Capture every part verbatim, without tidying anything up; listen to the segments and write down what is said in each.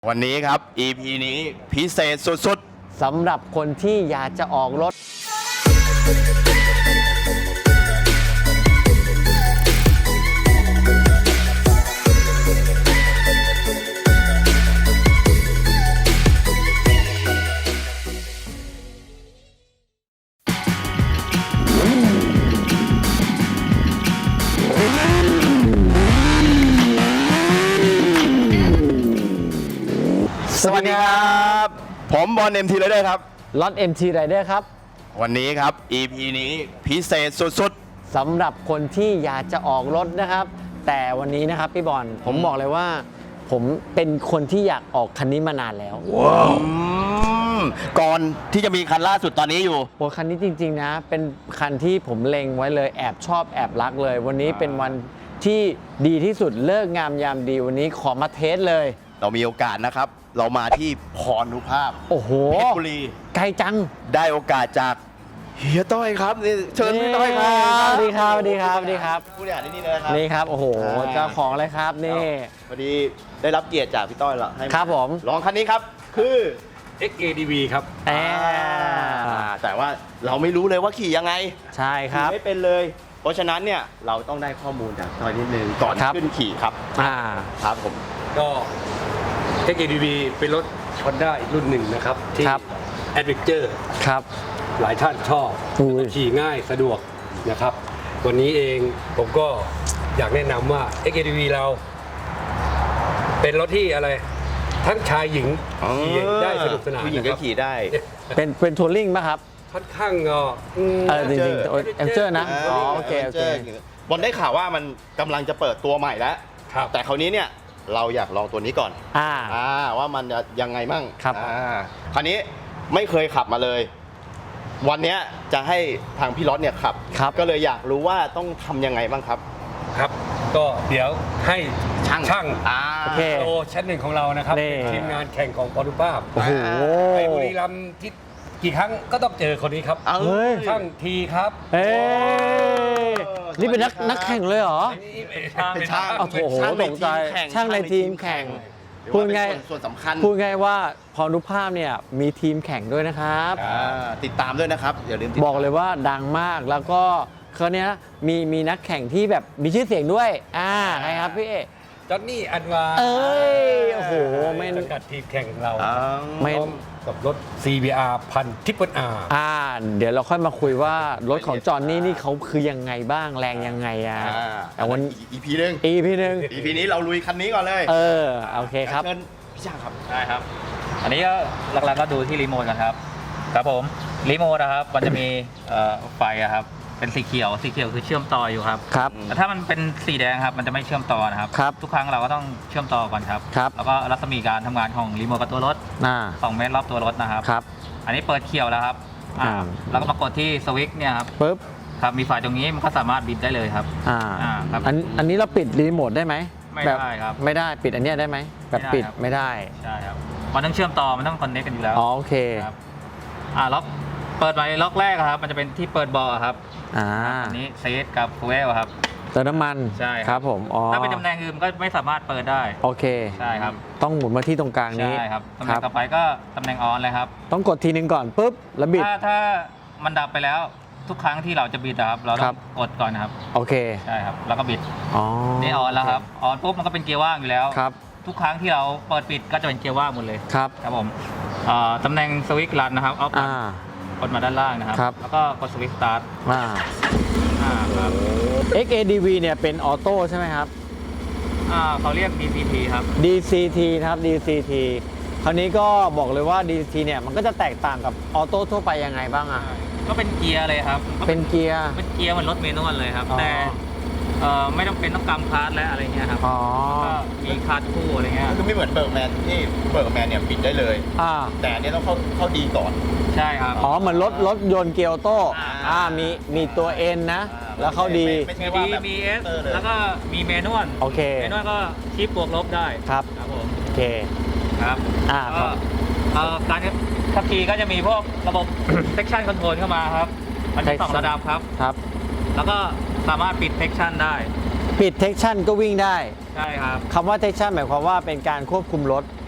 วันนี้ครับ อี พี นี้พิเศษสุดๆสำหรับคนที่อยากจะออกรถสวัสดีครับผมบอล เอ็ม ที Rider ครับรถ เอ็ม ที Rider ครับวันนี้ครับ อี พี นี้พิเศษสุดๆสำหรับคนที่อยากจะออกรถนะครับแต่วันนี้นะครับพี่บอลผมบอกเลยว่าผมเป็นคนที่อยากออกคันนี้มานานแล้วว้าวก่อนที่จะมีคันล่าสุดตอนนี้อยู่โอ้คันนี้จริงๆนะเป็นคันที่ผมเล็งไว้เลยแอบชอบแอบรักเลยวันนี้เป็นวันที่ดีที่สุดเลิกงามยามดีวันนี้ขอมาเทสเลยเรามีโอกาสนะครับเรามาที่พรนุภาพโอ้โหเพชรบุรีไกลจังได้โอกาสจากเฮียต้อยครับนี่เชิญพี่ต้อยครับสวัสดีครับสวัสดีครับสวัสดีครับผู้บริหารที่นี่เลยครับนี่ครับโอ้โหเจ้าของเลยครับนี่พอดีได้รับเกียรติจากพี่ต้อยละให้ครับผมลองคันนี้ครับคือเอ็กซ์ เอ ดี วี ครับแต่ว่าเราไม่รู้เลยว่าขี่ยังไงใช่ครับไม่เป็นเลยเพราะฉะนั้นเนี่ยเราต้องได้ข้อมูลจากต้อยนิดนึงก่อนขึ้นขี่ครับอ่าครับผมก็ เอ็กซ์ เอ ดี วี เป็นรถ Honda อีกรุ่นหนึ่งนะครับที่ Adventure ครับหลายท่านชอบขี่ง่ายสะดวกนะครับวันนี้เองผมก็อยากแนะนำว่า เอ็กซ์ เอ ดี วี เราเป็นรถที่อะไรทั้งชายหญิงขี่ได้สนุกสนานผู้หญิงก็ขี่ได้เป็นเป็นทัวริงไหมครับค่อนข้างเออจริงๆเอ็มเจอร์นะอ๋อโอเคโอเคบอลได้ข่าวว่ามันกำลังจะเปิดตัวใหม่แล้วแต่คราวนี้เนี่ยเราอยากลองตัวนี้ก่อนอ่าอ่าว่ามันจะยังไงมั่งครับอ่าคราวนี้ไม่เคยขับมาเลยวันนี้จะให้ทางพี่รถเนี่ยขับก็เลยอยากรู้ว่าต้องทำยังไงบ้างครับครับก็เดี๋ยวให้ช่างช่างโอเคโอชั้นหนึ่งของเรานะครับทีมงานแข่งของพรนุภาพโอ้โหไปบุรีรัมย์ที่กี่ครั้งก็ต้องเจอคนนี้ครับช่างทีครับเอ้นี่เป็นนักนักแข่งเลยเหรอเป็นช่างโอ้โหตกใจช่างในทีมแข่งพูดไงส่วนสำคัญพูดไงว่าพรนุภาพเนี่ยมีทีมแข่งด้วยนะครับติดตามด้วยนะครับอย่าลืมบอกเลยว่าดังมากแล้วก็เขาเนี้ยมีมีนักแข่งที่แบบมีชื่อเสียงด้วยอ่าใครครับพี่จอห์นนี่อันวาเอ้ยโอ้โหไม่สังกัดทีมแข่งของเราไม่กับรถ ซี บี อาร์ พันทิปเปิลอาร์อ่าเดี๋ยวเราค่อยมาคุยว่ารถของจอห์นนี่นี่เขาคือยังไงบ้างแรงยังไงอ่ะแต่วัน อี พี นึงอี พี นึงอี พี นี้เราลุยคันนี้ก่อนเลยเออโอเคครับเชิญพี่ช่างครับได้ครับอันนี้ก็หลักๆก็ดูที่รีโมทกันครับครับผมรีโมทนะครับมันจะมีไฟครับเป็นสีเขียวสีเขียวคือเชื่อมต่ออยู่ครับครับแต่ถ้ามันเป็นสีแดงครับมันจะไม่เชื่อมต่อนะครับครับทุกครั้งเราก็ต้องเชื่อมต่อก่อนครับครับแล้วก็รัศมีการทำงานของรีโมทกับตัวรถสองเมตรรอบตัวรถนะครับครับอันนี้เปิดเขียวแล้วครับอ่าแล้วก็มากดที่สวิตช์เนี่ยครับปึ๊บครับมีไฟตรงนี้มันก็สามารถบิดได้เลยครับอ่าอ่าครับอันอันนี้เราปิดรีโมทได้ไหมไม่ได้ครับไม่ได้ปิดอันนี้ได้ไหมแบบปิดไม่ได้ใช่ครับมันต้องเชื่อมต่อมันต้องคอนเนคกันอยู่แล้วอ๋อโอเคครับอ่าล็อกเปิดไปล็อกแรกครับมันจะเป็นที่เปิดเบาะครับอ่าอันนี้เซตกับฟูเอลครับเติมน้ำมันใช่ครับผมอ๋อถ้าเป็นตำแหน่งอื่นก็ไม่สามารถเปิดได้โอเคใช่ครับต้องหมุนมาที่ตรงกลางนี้ใช่ครับตำแหน่งต่อไปก็ตำแหน่งออนเลยครับต้องกดทีนึงก่อนปุ๊บแล้วบิดถ้าถ้ามันดับไปแล้วทุกครั้งที่เราจะบิดครับเราต้องกดก่อนครับโอเคใช่ครับแล้วก็บิดอ๋อนี่ออนแล้วครับออนปุ๊บมันก็เป็นเกียร์ว่างอยู่แล้วครับทุกครั้งที่เราเปิดปิดก็จะเป็นเกียร์ว่างหมดเลยครับครับผมตำแหน่งสวิตช์รันนะครับเอากดมาด้านล่างนะครับแล้วก็กดสวิตช์สตาร์ทอ่าอ่าครับเอ็กซ์ เอ ดี วี เนี่ยเป็นออโต้ใช่ไหมครับอ่าเขาเรียก ดี ซี ที ครับดี ซี ที นะครับ ดี ซี ที คราวนี้ก็บอกเลยว่า ดี ซี ที เนี่ยมันก็จะแตกต่างกับออโต้ทั่วไปยังไงบ้างอ่ะก็เป็นเกียร์เลยครับเป็นเกียร์เป็นเกียร์เหมือนรถเมนูเลยครับแต่เอ่อไม่ต้องเป็นต้องกำคาร์ดและอะไรเงี้ยครับอ๋อก็มีคาร์ดคู่อะไรเงี้ยคือไม่เหมือนเบิร์กแมนที่เบิร์กแมนเนี่ยปิดได้เลยอ่าแต่อันนี้ต้องเข้าเข้าดีก่อนใช่ครับอ๋อเหมือนรถรถยนต์เกียร์ออโต้อ่ามีมีตัว N นะแล้วเข้าดีมีมีเอสแล้วก็มีเมนูนโอเคเมนูนก็ชิปบวกลบได้ครับครับผมโอเคครับอ่าก็การขับขี่ก็จะมีพวกระบบ section control เข้ามาครับมันมีสองระดับครับครับแล้วก็สามารถปิด section ได้ปิด section ก็วิ่งได้ใช่ครับคำว่า section หมายความว่าเป็นการควบคุมรถ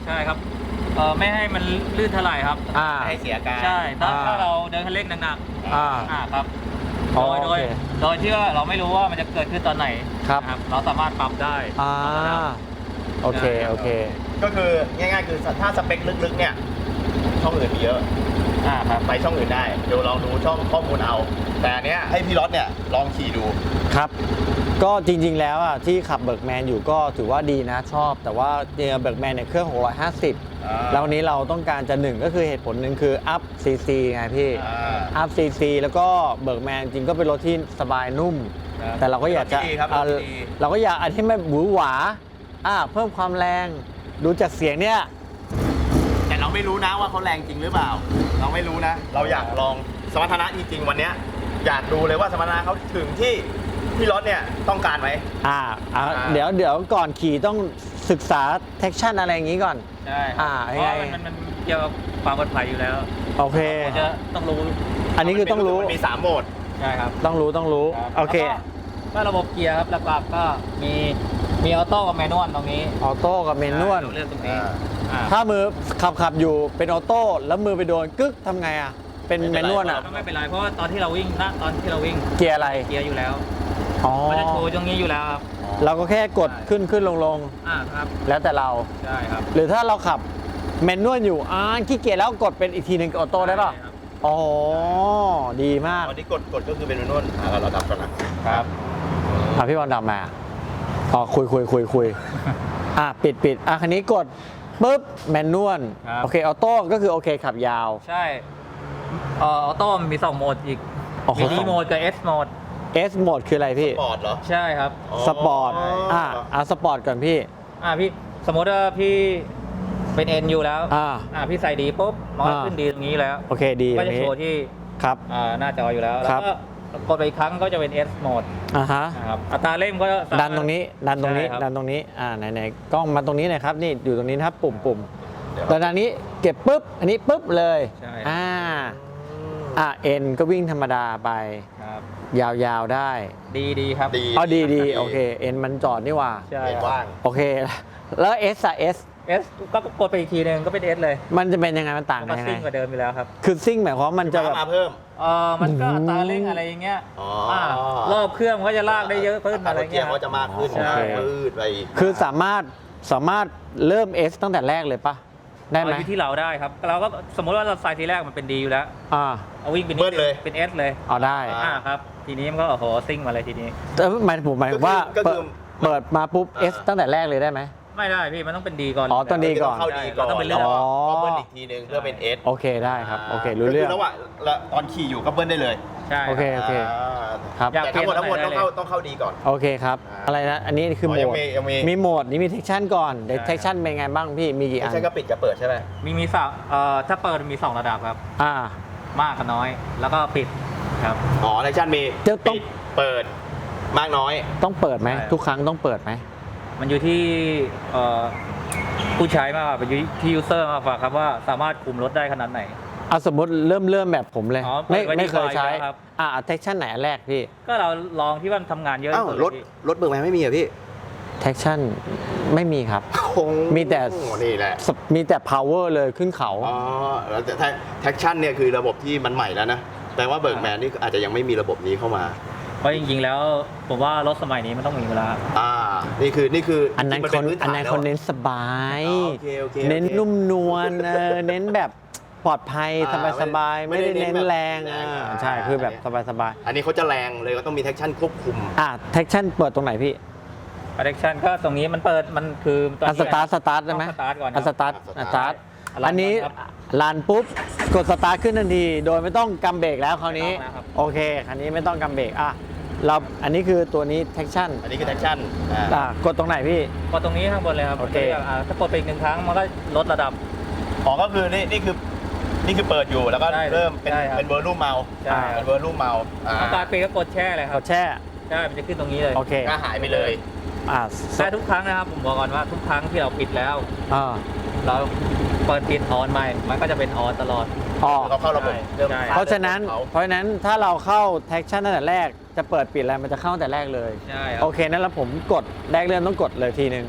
ใช่ครับเออไม่ให้มันลื่นเท่าไหร่ครับอ่าให้เสียการใช่ถ้าอ่าถ้าเราเดินคันเร่งหนักอ่าๆอ่าครับอ๋โดอยโดโอย เคโดยที่ว่าเราไม่รู้ว่ามันจะเกิดขึ้นตอนไหนครับนะเราสามารถปรับได้อ่าโอเคโอเคก็คือง่ายๆคือถ้าสเปคลึกๆเนี่ยช่องอื่นมีเยอะอ่าครับไปช่องอื่นได้เดี๋ยวลองดูช่องข้อมูลเอา แต่อันเนี้ยให้พี่รถเนี่ยลองขี่ดูครับ ก็จริงๆแล้วอ่ะที่ขับเบิร์กแมนอยู่ก็ถือว่าดีนะชอบ แต่ว่าเนี่ยเบิร์กแมนเนี่ยเครื่องหกร้อยห้าสิบอ่าแล้ววันนี้เราต้องการจะหนึ่งก็คือเหตุผลหนึ่งคืออัพซีซีไงพี่อ่าอัพซีซีแล้วก็เบิร์กแมนจริงก็เป็นรถที่สบายนุ่มครับแต่เราก็อยากจะรถที่ดีครับเอารถที่ดีเราก็อยากอันที่ไม่หวือหวาอ่าเพิ่มความแรงดูจากเสียงเนี่ยแต่เราไม่รู้นะว่าเขาแรงจริงหรือเปล่า เราไม่รู้นะ เราอยากลองสมรรถนะจริงๆวันเนี้ยอยากดูเลยว่าสมรรถนะเขาถึงที่พี่รถเนี่ยต้องการไหมอ่าอ่าอ่าเดี๋ยวเดี๋ยวก่อนขี่ต้องศึกษาเทคชั่นอะไรอย่างนี้ก่อนใช่อ่าเพยังไงราะมันมันมันเกี่ยวกับความปลอดภัยอยู่แล้วโอเคเราจะต้องรู้อันนี้คือต้องรู้มันมีสามโหมดใช่ครับต้องรู้ต้องรู้ครับโอเคแล้วก็ระบบเกียร์ครับหลักๆก็มีมีออโต้กับแมนนวลตรงนี้ออโต้กับเมนนวลเลือกตรงนี้อ่าถ้ามือขับขับอยู่เป็นออโต้แล้วมือไปโดนกึกทำไงอ่ะ เป็นไม่เมเป็นนไรนวลอ่ะก็ไม่เป็นไรเพราะว่าตอนที่เราวิ่งณตอนที่เราวิ่งเกียร์อะไรเกียร์อยู่แล้วอ๋อมันจะโชว์ตรงนี้อยู่แล้วครับเราก็แค่กดขึ้นขึ้นลงลงอ่าครับแล้วแต่เราใช่ครับหรือถ้าเราขับเมนนวลอยู่อ่าขี้เกียจแล้วกดเป็นอีกทีหนึ่งออโต้ได้ป่ะใช่ครับอ๋อ ดีมากวันนี้กดกดก็คือเป็นนวลอ่าเราเราดับก่อนนะครับอ่ะพี่บอลดำมาอ๋อคุยคุยคุยคุยอ่ะปิดปิดอ่ะคันนี้กดปุ๊บแมนนวลครับโอเคออโต้ก็คือโอเคขับยาวใช่เอ่อออโต้มันมีสองโหมดอีกอ๋อมีสดีองโหมดกับ S โหมด S โหมดคืออะไรพี่ปอดเหรอใช่ครับสปอร์ตอ่ะอ่ะสปอร์ตก่อนพี่อ่าพี่สมมติว่าพี่เป็น N อยู่แล้วอ่าอ่าพี่ใส่ดีปุ๊บมันก็อ่าขึ้นดีตรงนี้แล้วโอเคดีตก็รงจะนี้โชว์ที่ครับอ่าหน้าจออยู่แล้วครัแล้บวก็กดไปอีกครั้งก็จะเป็น S โหมดอ่ะฮะนะครับอัตราเร่งก็สามารถดันตรงนี้ดันตรงนี้ใช่ครับดันตรงนี้อ่าไหนไหนกล้องมาตรงนี้หน่อยครับนี่อยู่ตรงนี้นะครับปุ่มปุ่มเดี๋ยวแล้วดันนี้เก็บปุ๊บอันนี้ปุ๊บเลยใช่อ่าอ่ะเอ็นก็วิ่งธรรมดาไปครับยาวๆได้ดีดีครับดีอ๋อดีดีโอเคเอ็นมันจอดนี่หว่าใช่เห็นครับว่างโอเค แล้วเอสอะเอส S ก็กดไปอีกทีหนึงก็เป็น S เลยมันจะเป็นยังไงมันต่างก็กันยังซิ่งไงกว่าเดิมอยู่แล้วครับคือซิ่งหมายความว่ามันจะแบบมาเพิ่มเออมันก็อืมอัตราเร่งอะไรอย่างเงี้ยอ๋ออ่ารอบเครื่องมันก็จะลากได้เยอะขึ้นอะไรเกีเงี้ยยร์เขาจะมากขึ้นใช่พืดไปคือสามารถสามารถเริ่ม S ตั้งแต่แรกเลยปะได้ไหมเอาอยู่ที่เราได้ครับ เราก็สมมติว่าเราใส่ทีแรกมันเป็นดีอยู่แล้วอ่าเอาวิ่งเป็นเบิ้ลเลยเป็น S เลยเอาได้อ่าอ่าครับ ทีนี้มันก็โอ้โหซิ่งมาเลยทีนี้แต่หมายผมหมายถึงว่าก็คือเปิดเปิดมาปุ๊บอ่า S ตั้งแต่แรกเลยได้ไหมไม่ได้พี่มันต้องเป็นดีก่อนอ๋อต้องดีก่อนเข้าดีก่อนเราต้องไปเลือกแล้วอ๋อก็เบิ้ลอีกทีนึงเพื่อเป็นเอสโอเคได้ครับโอเครู้เรื่องก็คืระหว่างแล้วตอนขี่อยู่ก็เบิ้ลได้เลยใช่โอเค โเคาครับอยากแต่ทั้งหมดทั้งหมดเปลี่ต้ยอน งอะไรเข้าต้องเข้าดีก่อนโอเคครับอ่าอะไรนะ อันนี้คืออ๋โหอมยังดมียังมีมีโหมดนี้มีเทคชั่นก่อนเดี๋ยวใช่เทคชั่นเป็นไงบ้างพี่มีกี่อัไม่นใช่ก็ปิดกับเปิดใช่ไหมมีมีสามเอ่อถ้าเปิดมีสองระดับครับอ่ามากกับน้อย แล้วก็ปิดครับอ๋อในชั่นมีเดี๋ยวต้องปิดเปิดมากน้อยต้องเปิดไหมใช่ทุกครั้งต้องเปิดไหมมันอยู่ที่เอ่อผู้ใช้มากกว่าเป็นอยู่ที่ยูเซอร์มากกว่าครับว่าสามารถคุมรถได้ขนาดไหนเอาสมมติเริ่มเริ่มแบบผมเลยอ๋อไม่เปิดไว้ไม่เคยดีกว่าใช้อยู่แล้วครับอ่าเทคชั่นไหนอันแรกพี่ก็เราลองที่ว่ามันทำงานเยอะอ้าวที่สุดรถเลยพี่รถเบิกแมนไม่มีเหรอพี่เทคชั่นไม่มีครับคงมีแต่นี่แหละสมีแต่ power เลยขึ้นเขาอ๋อแล้วแต่แท็กชั่นเนี่ยคือระบบที่มันใหม่แล้วนะแปลว่าเบิร์กแมนนี่อาจจะยังไม่มีระบบนี้เข้ามาเพราะจริงๆแล้วผมว่ารถสมัยนี้มันต้องมีเวลาอ่า นี่คือนี่คืออันนั้นมัคเป็น พื้อันนั้นฐาคนแล้วเน้นสบายอ๋อโอเคโอเคโอเคเน้นนุ่มนวลเออเน้นแบบปลอดภัยอ่าสบายสบายๆไม่ไม่ได้ได้เน้นเน้นแบบแรงแรงอ่าอ่าใช่คือแบบสบายสบายอันนี้เขาจะแรงเลยก็ต้องมีแท็กชั่นควบคุมๆอ่ะเทคชั่นเปิดตรงไหนพี่ protection ก็ตรงนี้มันเปิดมันคือตอนอ่ะนี้สตาร์ทสตาร์ทได้ไหมต้องสตาร์ทก่อนคอ่ะรับสตาร์ทอ่ะอ่ะสตาร์ทอ่ะรันอันนี้ครับลันปุ๊บกดสตาร์ทขึ้นทันที โดยไม่ต้องกำเบรกแล้วคราวนี้ไม่ต้องนะครับโอเคคันนี้ไม่ต้องกำเบรกอ่ะเราอันนี้คือตัวนี้เทคชั่นอันนี้คือแท็กชั่นอ่าอ่ะกดตรงไหนพี่กดตรงนี้ข้างบนเลยครับโอเคอ่าถ้ากดไปอีกหนึ่งครั้งมันก็ลดระดับอ๋อก็คือนี่นี่คือนี่คือเปิดอยู่แล้วก็ใช่เริ่มเป็นใช่ครับเป็นเวอร์ลูมเมาใช่ครับเป็นเวอร์ลูมเมาอ่าอาการปิดก็กดแช่เลยคกรับดแช่ใช่มันจะขึ้นตรงนี้เลยโอเคก็หายไปเลยอ่ะแต่ทุกครั้งนะครับผมบอกก่อนว่าทุกครั้งที่เราปิดแล้วอ่าเราเปิดปิดออนใหม่มันก็จะเป็นออนตลอดอ๋อเขาเข้าระบบใช่เริ่มใช่เพราะฉะนั้นเขาเพราะฉะนั้นถ้าเราเข้าแท็กชั่นตั้งแต่แรกจะเปิดปิดอะไรมันจะเข้าตั้งแต่แรกเลยใช่ครัโอบ เคนั้นแล้วผมกดแรกเริ่มต้องกดเลยทีนึง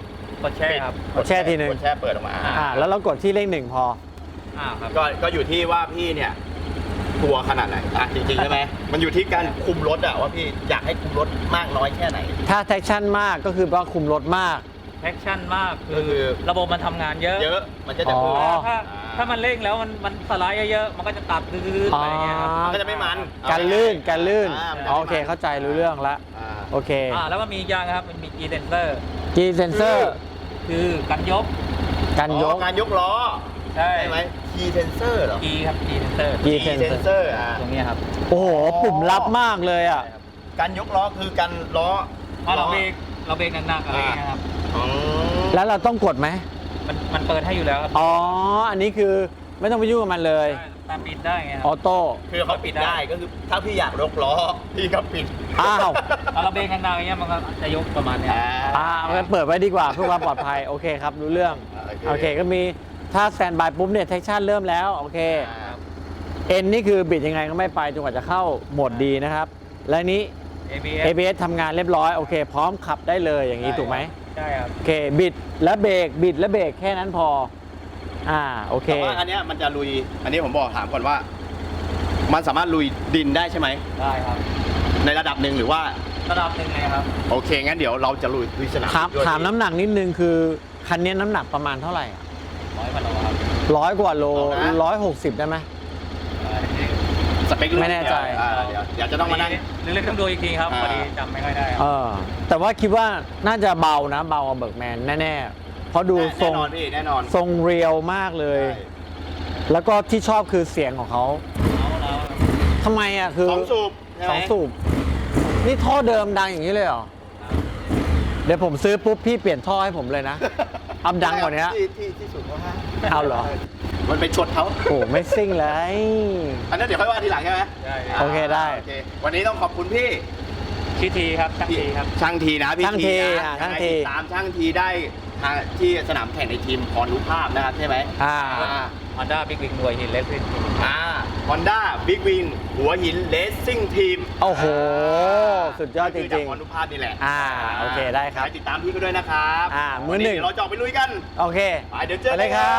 กดแช่ครับกดแช่ทีหนึ่งกดแช่เปิดออกมาอ่าแล้วเรากดที่เลขหนึ่งพออ่าครับก็ก็อยู่ที่ว่าพี่เนี่ยกลัวขนาดไหนอ่ะจริงๆใช่ไหมมันอยู่ที่การคุมรถอะว่าพี่อยากให้คุมรถมากน้อยแค่ไหนถ้าแท็กชั่นมากก็คือว่าคุมรถมากแอคชั่นมากก็คืคืออระบบมันทำงานเยอะเยอะมันก็จะอ๋อเพิ่มถ้าถ้ามันเร่งแล้วมันมันสไลด์เยอะๆมันก็จะตัดดื้อๆไปอย่างเงี้ยครับมันก็จะไม่มันการลื่นการลื่นอ่ามันจะอ๋อไม่มันโอเคเข้าใจรู้เรื่องละอ่าโอเคอ่าแล้วก็มีอีกอย่างครับมันมี G sensor G sensor คือการยกการยอ๋อก การยกล้อใช่ใช่ไหม key sensor เหรอ G ครับ G sensor G key sensor sensor อ่ะตรงเนี้ยครับโอ้โหปุ่มลับมากเลยอ่ะใช่ครับการยกล้อคือการล้อพอเราเบรกเราเบรกหนักๆอะไรอย่างเงี้ยครับอ๋อแล้วเราต้องกดไหมมันมันเปิดให้อยู่แล้วครับอ๋อ อันนี้คือไม่ต้องไปยุ่งกับมันเลยใช่ตามปิดได้ไงคอรัอบ โต้คือเขาปิดได้ก็คือถ้าพี่อยากยกล้อพี่ก็ปิดอ้าวเอาเราเบรกหนักๆอย่างเงี้ยมันก็จะยกประมาณเนี้ยอ่าอ่างั้นเปิดไว้ดีกว่าเพื่อความปลอดภัย โอเคครับ รู้เรื่องโอเคโอเค ก็มีถ้าแซนบายปุ๊บเนี่ยแท็กชั่นเริ่มแล้ว โอเค เอ็นนี่คือบิดยังไงก็ไม่ไปจนกว่าจะเข้าโหมดดีนะครับ และนี้เอ บี เอสเอ บี เอส ทำงานเรียบร้อย โอเค พร้อมขับได้เลยอย่างนี้ถูกไหมใช่ครับโอเค บิดและเบรก บิดและเบรกแค่นั้นพอ อ่า โอเคแต่ว่าอันเนี้ยมันจะลุย อันนี้ผมบอกถามก่อนว่า มันสามารถลุยดินได้ใช่ไหมได้ครับในระดับหนึ่งหรือว่าระดับหนึ่งเลยครับโอเค งั้นเดี๋ยวเราจะลุยลุยสนามถามด้วยถามน้ำหนักนิดนึงคือ คันนี้น้ำหนักประมาณเท่าไหร่อะร้อยกว่าโลครับร้อยกว่าโลร้อยหกสิบได้ไหมสเปครุ่ไม่แน่ใจอ่าเดี๋ยวเดี๋ยวจะต้องมานั่งหรือเล่นต้องดูอีกทีครับอ่าพอดีจำไม่ค่อยได้ครับเออ แต่ว่าคิดว่าน่าจะเบานะ เบากว่าเบิร์กแมนแน่ๆ เพราะดูทรแน่งนอนพี่แน่นอนทรงเรียวมากเลยใช่แล้วก็ที่ชอบคือเสียงของเขาเอาแล้วทำไมอ่ะคือสองสูบใช่ไหสมองสูบ นี่ท่อเดิมดังอย่างนี้เลยเหรอ เดี๋ยวผมซื้อปุ๊บพี่เปลี่ยนท่อให้ผมเลยนะอัพดังกว่านี้ที่ที่ที่สุดเขาให้เอาเหรอมันไปชดเขาโอ้ไม่ซิ่งเลยอันนั้นเดี๋ยวค่อยว่าทีหลังใช่ไหมใช่โอเคได้โอเควันนี้ต้องขอบคุณพี่ชื่อทีครับช่างทีครับช่างทีนะพี่ช่างทีนะอ่ะยังไงช่างทีติดตามช่างทีได้ทางที่สนามแข่งในทีมพรรูปภาพนะครับใช่ไหมอ่าอ่าฮอนด้าบิ๊กวิงหน่วยหินเล็กขึ้นอ่าฮอนด้าบิ๊กวินหัวหินเลสซิ่งทีมโอ้โห สุดยอดจคือจากริงพรรูปภาพนี่แหละอ่าโอเคได้ครับไปติดตามพี่ก็ด้วยนะครับอ่ามือหนึ่งวัเดี๋ยวเราจะออกไปลุยกันๆ โอเคไปเดี๋ยวเจอไปเลยครับ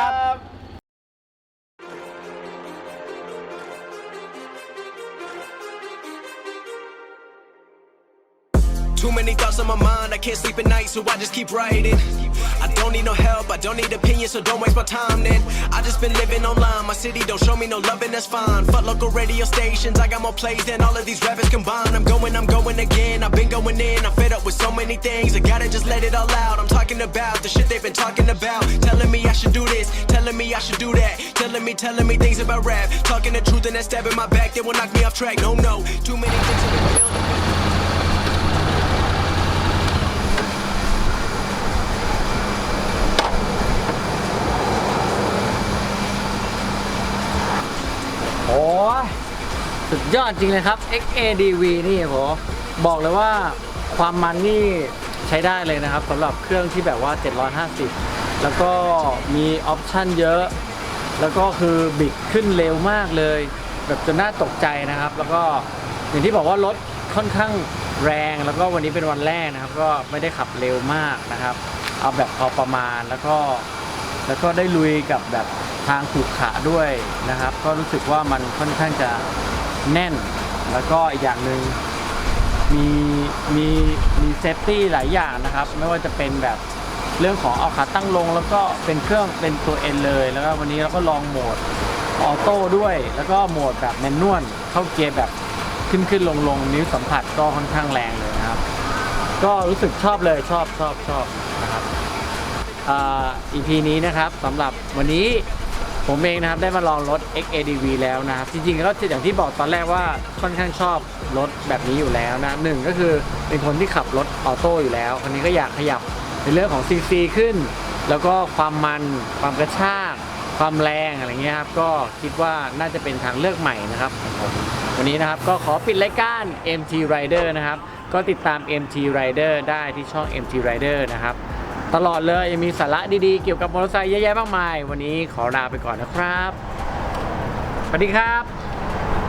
Too many thoughts on my mind, I can't sleep at night, so I just keep writing. I don't need no help, I don't need opinions, so don't waste my time then. I just been living online, my city don't show me no love and that's fine. Fuck local radio stations, I got more plays than all of these rappers combined. I'm going, I'm going again, I've been going in, I'm fed up with so many things. I gotta just let it all out, I'm talking about the shit they've been talking about. Telling me I should do this, telling me I should do that. Telling me, telling me things about rap. Talking the truth and that stab in my back, they will knock me off track. No, no, too many things have been building. โอ้ยสุดยอดจริงเลยครับ เอ็กซ์ เอ ดี วี นี่โหบอกเลยว่าความมันนี่ใช้ได้เลยนะครับสำหรับเครื่องที่แบบว่าเจ็ดร้อยห้าสิบแล้วก็มีออปชั่นเยอะ แล้วก็คือบิดขึ้นเร็วมากเลย แบบจนน่าตกใจนะครับ แล้วก็อย่างที่บอกว่ารถค่อนข้างแรง แล้วก็วันนี้เป็นวันแรกนะครับ ก็ไม่ได้ขับเร็วมากนะครับ เอาแบบพอประมาณแล้วก็แล้วก็ได้ลุยกับแบบทางขรุขระด้วยนะครับ ก็รู้สึกว่ามันค่อนข้างจะแน่น แล้วก็อีกอย่างหนึ่งมีมีมีเซฟตี้หลายอย่างนะครับ ไม่ว่าจะเป็นแบบเรื่องของเอาขาตั้งลง แล้วก็เป็นเครื่องเป็นตัว N เลย แล้วก็วันนี้เราก็ลองโหมดออโต้ด้วย แล้วก็โหมดแบบแมนนวลเข้าเกียร์แบบขึ้นขึ้นลงลงนิ้วสัมผัสก็ค่อนข้างแรงเลยนะครับ ก็รู้สึกชอบเลยชอบชอบชอบนะครับอ่า อี พี นี้นะครับสำหรับวันนี้ผมเองนะครับได้มาลองรถ เอ็กซ์ เอ ดี วี แล้วนะครับจริงๆก็อย่างที่บอกตอนแรกว่าค่อนข้างชอบรถแบบนี้อยู่แล้วนะหนึ่งก็คือเป็นคนที่ขับรถออโต้อยู่แล้วคนนี้ก็อยากขยับในเรื่องของ ซี ซี ขึ้น แล้วก็ความมันความกระชากความแรงอะไรเงี้ยครับก็คิดว่าน่าจะเป็นทางเลือกใหม่นะครับของผมวันนี้นะครับก็ขอปิดรายการ เอ็ม ที Rider นะครับก็ติดตาม เอ็ม ที Rider ได้ที่ช่อง เอ็ม ที Rider นะครับตลอดเลยยังมีสาระดีๆเกี่ยวกับมอเตอร์ไซค์เยอะแยะมากมายวันนี้ขอลาไปก่อนนะครับสวัสดีครับ